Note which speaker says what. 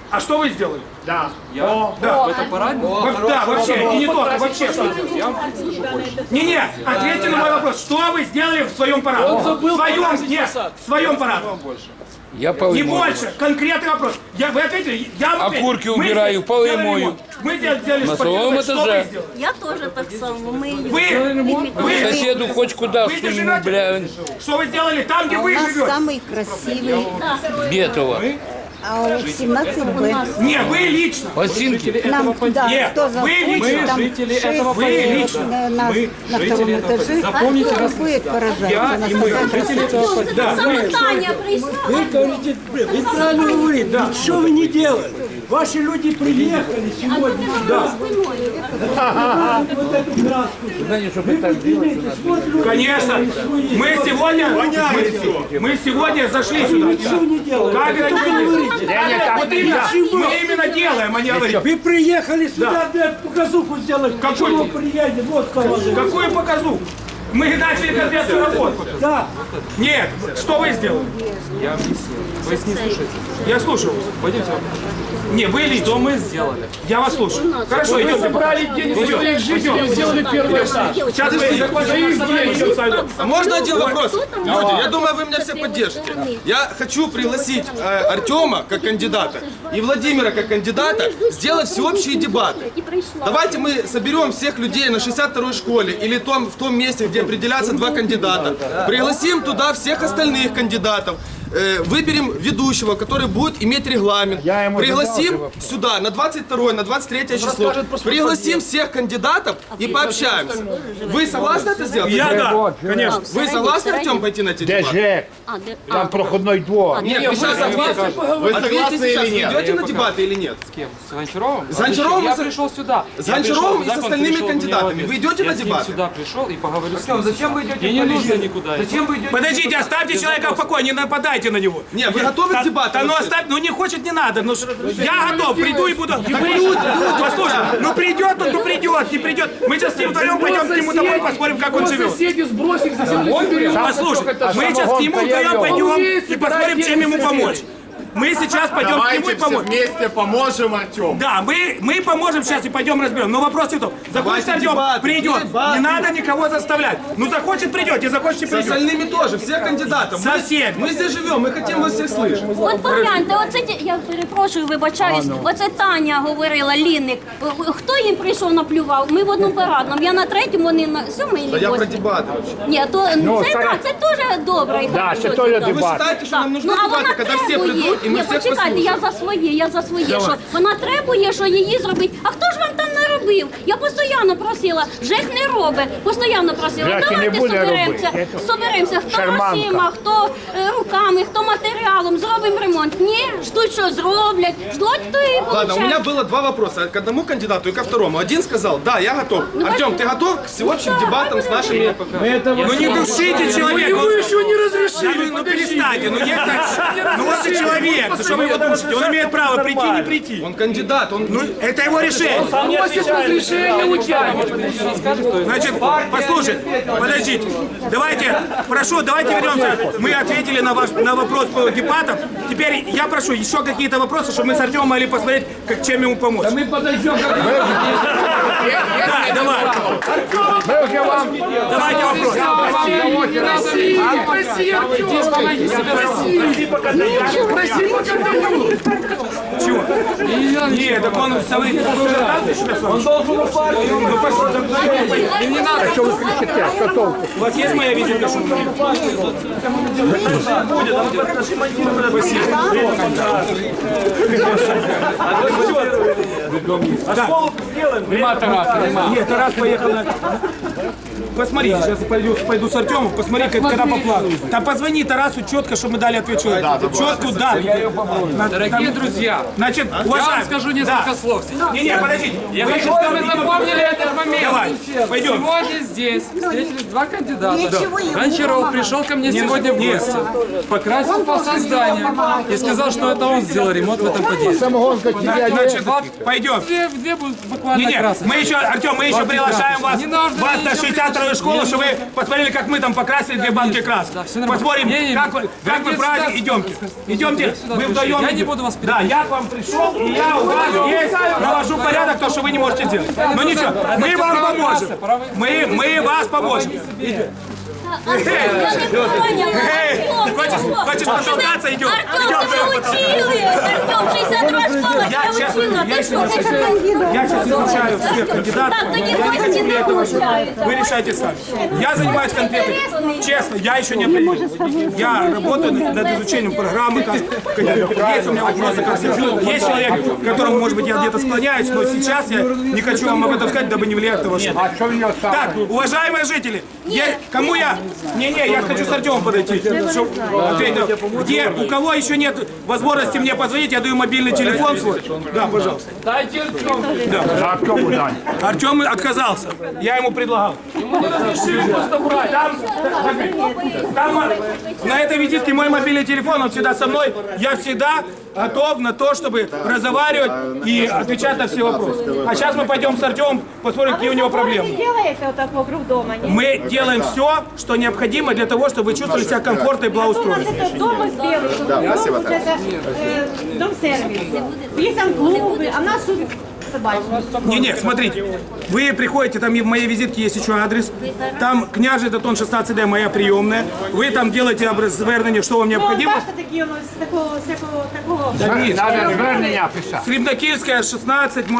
Speaker 1: А что вы сделали?
Speaker 2: Да.
Speaker 1: Да.
Speaker 3: Это парадник?
Speaker 1: Да, вообще, и не только, вообще.
Speaker 3: Я вам скажу больше.
Speaker 1: Не, ответьте на мой вопрос. Что вы сделали в своем параде? В своем параде.
Speaker 4: Я полы
Speaker 1: Не
Speaker 4: мою.
Speaker 1: больше. Конкретный вопрос. Вы ответили? Я вам ответил.
Speaker 4: Окурки
Speaker 1: Мы
Speaker 4: убираю,
Speaker 1: здесь
Speaker 4: полы
Speaker 1: сделали
Speaker 4: мою.
Speaker 1: ремонт. Мы сделали
Speaker 4: На
Speaker 1: спортивный.
Speaker 4: своем
Speaker 1: Что вы
Speaker 4: этаже.
Speaker 1: сделали?
Speaker 5: Я тоже так само.
Speaker 1: Вы
Speaker 4: Соседу хоть куда
Speaker 1: здесь
Speaker 4: сунь, бля,
Speaker 1: живете? Что вы сделали там, где
Speaker 6: У
Speaker 1: вы
Speaker 6: нас
Speaker 1: живете?
Speaker 6: самый красивый,
Speaker 4: Бетова.
Speaker 6: а у 17Б.
Speaker 1: Не, вы лично.
Speaker 4: Осинки.
Speaker 6: Нам, да,
Speaker 1: Нет,
Speaker 6: кто
Speaker 1: вы
Speaker 6: заходит,
Speaker 1: лично.
Speaker 6: там
Speaker 3: Жители
Speaker 6: 6
Speaker 3: этого
Speaker 1: поселка.
Speaker 6: на втором этаже,
Speaker 3: Запомните
Speaker 6: кто
Speaker 3: нас.
Speaker 6: будет поражаться.
Speaker 3: Я
Speaker 6: нас
Speaker 3: и мы,
Speaker 6: такая
Speaker 3: жители этого
Speaker 6: красота.
Speaker 3: поселка.
Speaker 5: Саме Таня прийшла.
Speaker 2: Вы говорите, вы правильно говорите, ничего вы не делали. Ваши люди приехали сегодня. Да. Вот эту краску.
Speaker 4: Знаете, чтобы так делать,
Speaker 1: Конечно. Мы сегодня зашли сюда.
Speaker 2: Ничего не делали.
Speaker 1: Как это вы
Speaker 2: говорите?
Speaker 1: Вот именно, мы именно делаем, а не говорим.
Speaker 2: Вы приехали сюда, блядь, показуху сделать.
Speaker 1: Какой?
Speaker 2: Почему приедете? Вот положили.
Speaker 1: Какую показу? Мы начали конкретную работу.
Speaker 2: Да.
Speaker 1: Нет, что вы сделали?
Speaker 3: Я объяснил. Вы не слушаете.
Speaker 1: Я слушаю.
Speaker 3: Пойдемте.
Speaker 1: Не, вы лично.
Speaker 3: Что мы сделали?
Speaker 1: Я вас слушаю. Хорошо, идем.
Speaker 7: Собрали деньги за своих жителей, сделали первый этаж.
Speaker 1: Сейчас мы закончим.
Speaker 8: А можно один вопрос? Люди, я думаю, вы меня все поддержите. Я хочу пригласить Артема как кандидата и Владимира как кандидата сделать всеобщие дебаты. Давайте мы соберем всех людей на 62-й школе или в том месте, где определятся два кандидата. Пригласим туда всех остальных кандидатов. Выберем ведущего, который будет иметь регламент. Пригласим сюда на 22 на 23 число. Пригласим всех кандидатов и пообщаемся. Вы согласны это сделать?
Speaker 1: Я да, конечно.
Speaker 8: Вы согласны, Артем, пойти на эти дебаты?
Speaker 4: Там проходной двор.
Speaker 8: Нет, вы сейчас ответьте. Ответьте сейчас, вы идете на дебаты или нет?
Speaker 3: С кем? С Гончаровым?
Speaker 8: С Гончаровым
Speaker 3: Я
Speaker 8: и со-
Speaker 3: пришел сюда.
Speaker 8: С Гончаровым и с
Speaker 3: Я пришел,
Speaker 8: остальными
Speaker 3: пришел,
Speaker 8: кандидатами.
Speaker 3: мне
Speaker 8: Вы идете на
Speaker 3: Я с ним
Speaker 8: дебаты?
Speaker 3: сюда пришел и поговорю с ним.
Speaker 1: Зачем вы идете?
Speaker 3: Мне не нужно никуда.
Speaker 1: Зачем вы идете? Подождите, оставьте человека в покое, не нападайте на него.
Speaker 8: Не, вы готовы к дебатам?
Speaker 1: Да ну оставь, ну не хочет, не надо. Ну, я готов, приду и буду. Послушай, ну придет он, то придет, не придет. Мы сейчас с ним вдвоем пойдем к нему домой, посмотрим, как он живет.
Speaker 7: Соседи сбросили, зачем мы соберем?
Speaker 1: Послушай, мы сейчас к нему вдвоем пойдем и посмотрим, чем ему помочь. Мы сейчас пойдем к нему и поможем.
Speaker 7: вместе поможем Артему.
Speaker 1: Да, мы поможем сейчас и пойдем разберем. Но вопрос не в том. Захочет
Speaker 8: Давайте
Speaker 1: Артем,
Speaker 8: дебаты,
Speaker 1: придет.
Speaker 8: дебаты.
Speaker 1: Не надо никого заставлять. Ну захочет, придет, не захочет, не
Speaker 8: С
Speaker 1: придет.
Speaker 8: остальными тоже, всех кандидатов.
Speaker 1: Со всеми.
Speaker 8: Мы здесь живем, мы хотим вас всех слышать.
Speaker 5: От погляньте, оце я перепрошую, вибачаюсь. Оце Таня говорила, Лінник. Хто їм прийшов, наплював? Ми в одному парадному. Я на третьому, вони на сьомий.
Speaker 8: Да я про дебаты вообще.
Speaker 5: Ні, то це так, це теж добре. і хорошо,
Speaker 4: це теж
Speaker 5: так.
Speaker 8: Вы
Speaker 4: дебаты.
Speaker 8: считаете, что нам нужны
Speaker 5: Ну, а вона
Speaker 8: дебаты, когда все
Speaker 5: требує.
Speaker 8: придут и мы
Speaker 5: Ні,
Speaker 8: всех
Speaker 5: почекайте,
Speaker 8: послушаем?
Speaker 5: я за своє, що вона требує, що її зробить. А хто ж вам там не робив? Я постійно просила, ЖЕК не робить, постійно просила,
Speaker 4: ЖЕК і не
Speaker 5: давайте
Speaker 4: буде
Speaker 5: соберемося, хто
Speaker 4: Шарманка.
Speaker 5: грошима, хто руками, хто матеріалом, зробимо ремонт. Ні, ждуть, що зроблять, ждуть, то і
Speaker 8: Ладно, у меня
Speaker 5: получають.
Speaker 8: было два вопроса к одному кандидату и ко второму. Один сказал, да, я готов. Артем, ты готов к всеобщим дебатам с нашими...
Speaker 1: Ну не душите человека.
Speaker 7: Вы еще не разрешили.
Speaker 1: Ну перестаньте, ну есть так. Ну вот и человек, ну, что вы его душите? Он имеет право прийти, не прийти.
Speaker 8: Он кандидат, он...
Speaker 1: Ну это его решение.
Speaker 7: Просит разрешения у тебя.
Speaker 1: Значит, послушай, подождите. Давайте, прошу, давайте вернемся. Мы ответили на вопрос по депатам. Теперь я прошу еще какие-то вопросы, чтобы мы с Артемом могли посмотреть, чем ему помочь.
Speaker 7: Мы подождем, как
Speaker 1: Да, давай. Давайте вопрос.
Speaker 7: Проси, Артем, помоги себе. Проси, пока дают.
Speaker 1: Чего? Нет, так он говорит, он должен упасть.
Speaker 7: Не надо.
Speaker 4: Что вы кричите? Что толку?
Speaker 1: У вас есть моя визитка?
Speaker 7: Нема Тараса, нема.
Speaker 1: Нет, Тарас поехал на... Посмотри, сейчас пойду с Артемом, посмотри, когда по плану. Там позвони Тарасу четко, чтобы мы дали ответ человеку. Четкую дату.
Speaker 3: Дорогие друзья,
Speaker 1: Значит,
Speaker 3: я вам
Speaker 1: уважаем.
Speaker 3: скажу несколько слов.
Speaker 1: Не, подождите.
Speaker 3: Я хочу, чтобы вы запомнили этот момент.
Speaker 1: Давай, пойдем.
Speaker 3: Сегодня здесь встретились два кандидата.
Speaker 6: Ничего ему
Speaker 3: Гончаров
Speaker 6: мама.
Speaker 3: пришел ко мне сегодня в гости, покрасил фасад здания и сказал, что это он сделал ремонт в этом подъезде.
Speaker 4: Самогонка тебя
Speaker 1: Значит,
Speaker 3: Вот
Speaker 1: пойдем.
Speaker 3: две будут буквально
Speaker 1: Не,
Speaker 3: красочные.
Speaker 1: мы еще, Артем, мы еще приглашаем вас,
Speaker 3: Не нужно
Speaker 1: вас на
Speaker 3: ничего
Speaker 1: 62 директора школы, чтобы вы посмотрели, как мы там покрасили 2 банки краски.
Speaker 3: всё нормально.
Speaker 1: Посмотрим,
Speaker 3: Не,
Speaker 1: как вы праздник. Идемте. Идемте, мы вдвоем.
Speaker 3: Я не буду вас
Speaker 1: Да, я к вам пришел, и я у вас есть, навожу порядок, то, что вы не можете сделать. Но ничего, мы вам поможем. Мы вас поможем. Хочешь потолкаться? Идем.
Speaker 5: Артем, ты учили! Артем, 62 школа, я учила, ты что?
Speaker 1: Я сейчас изучаю всех кандидатов.
Speaker 5: Так, такі
Speaker 1: Я не
Speaker 5: гості
Speaker 1: хочу
Speaker 5: не
Speaker 1: этого.
Speaker 5: получаються.
Speaker 1: Вы решайте сами. Я занимаюсь конкретно. Честно, я еще не определил. Я работаю над изучением программы. Там, есть у меня вопросы ко всем. Есть человек, к которому, может быть, я где-то склоняюсь, но сейчас я не хочу вам об этом сказать, дабы не влиять на вашу.
Speaker 4: А що в нього стало?
Speaker 1: Так, уважаемые жители, кому я... Не-не, я хочу с Артемом подойти. Чтоб ответил. Где, у кого еще нет возможности мне позвонить, я даю мобильный телефон свой. Да, пожалуйста.
Speaker 3: Дайте Артему.
Speaker 4: А Артему дай.
Speaker 1: Артем отказался. Я ему предлагал. Там на этой визитке мой мобильный телефон, он всегда со мной. Я всегда готов на то, чтобы разговаривать и отвечать на все вопросы. А сейчас мы пойдем с Артемом, посмотрим, какие у него проблемы.
Speaker 9: делаете вот так вокруг дома, нет?
Speaker 1: Мы делаем все, что необходимо для того, чтобы вы чувствовали себя комфортно и благоустроенно.
Speaker 9: Это дом сделали, это дом-сервис. Есть там клубы, а у нас тут собачки.
Speaker 1: Не-не, смотрите, вы приходите, там и в моей визитке есть еще адрес, там княжий Татон 16Д, моя приемная, вы там делаете звернення, что вам необходимо.
Speaker 9: Бачите, такі у нас такого.
Speaker 4: Треба звернення писати.
Speaker 1: Срібнокільська, 16,